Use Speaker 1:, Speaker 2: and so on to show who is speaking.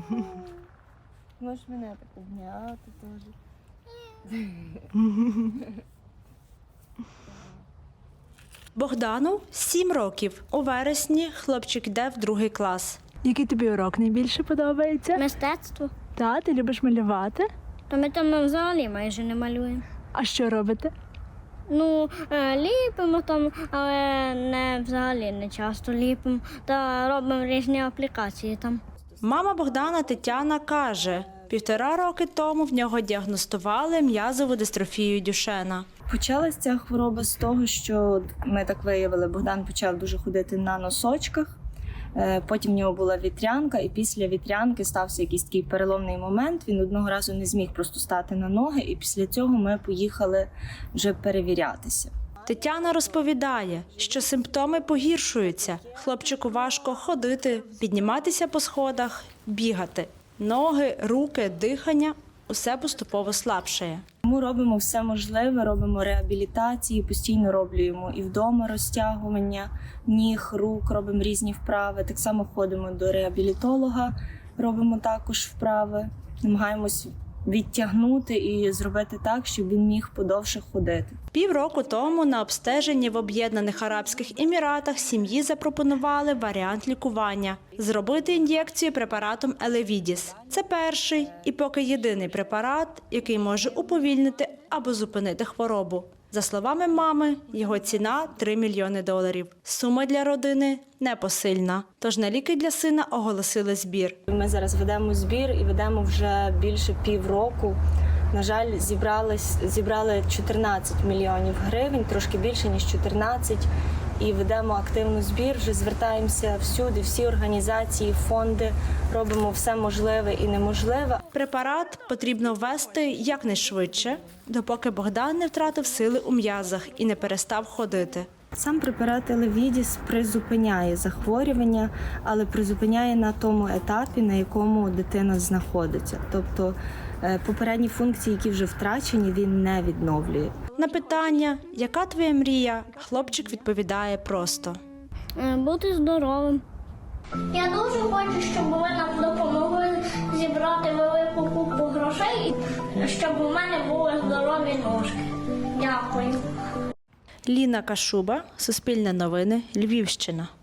Speaker 1: Можеш мене так обняти теж.
Speaker 2: Богдану 7 років. У вересні хлопчик йде в 2 клас.
Speaker 3: Який тобі урок найбільше подобається?
Speaker 4: Мистецтво.
Speaker 3: Та, ти любиш малювати?
Speaker 4: То ми там взагалі майже не малюємо.
Speaker 3: А що робите?
Speaker 4: Ну, ліпимо там, але не взагалі не часто ліпимо. Та робимо різні аплікації там.
Speaker 2: Мама Богдана Тетяна каже, 1,5 роки тому в нього діагностували м'язову дистрофію Дюшена.
Speaker 1: Почалася ця хвороба з того, що ми так виявили, Богдан почав дуже ходити на носочках, потім в нього була вітрянка, і після вітрянки стався якийсь такий переломний момент, він одного разу не зміг просто стати на ноги, і після цього ми поїхали вже перевірятися.
Speaker 2: Тетяна розповідає, що симптоми погіршуються. Хлопчику важко ходити, підніматися по сходах, бігати. Ноги, руки, дихання – усе поступово слабшає.
Speaker 1: Ми робимо все можливе, робимо реабілітації, постійно роблю йому і вдома розтягування ніг, рук, робимо різні вправи. Так само ходимо до реабілітолога, робимо також вправи, намагаємось відтягнути і зробити так, щоб він міг подовше ходити.
Speaker 2: Півроку тому на обстеженні в Об'єднаних Арабських Еміратах сім'ї запропонували варіант лікування – зробити ін'єкцію препаратом Елевідіс. Це перший і поки єдиний препарат, який може уповільнити або зупинити хворобу. За словами мами, його ціна – $3 мільйони. Сума для родини непосильна. Тож на ліки для сина оголосили збір.
Speaker 1: Ми зараз ведемо збір і ведемо вже більше півроку. На жаль, зібрали 14 мільйонів гривень, трошки більше, ніж 14. І ведемо активний збір, вже звертаємося всюди, всі організації, фонди, робимо все можливе і неможливе.
Speaker 2: Препарат потрібно ввести якнайшвидше, допоки Богдан не втратив сили у м'язах і не перестав ходити.
Speaker 1: Сам препарат Елевідіс призупиняє захворювання, але призупиняє на тому етапі, на якому дитина знаходиться. Тобто попередні функції, які вже втрачені, він не відновлює.
Speaker 2: На питання «Яка твоя мрія?» хлопчик відповідає просто.
Speaker 4: Бути здоровим.
Speaker 5: Я дуже хочу, щоб ви нам допомогли зібрати велику купу грошей, щоб у мене були здорові ножки. Дякую.
Speaker 2: Ліна Кашуба, Суспільне новини, Львівщина.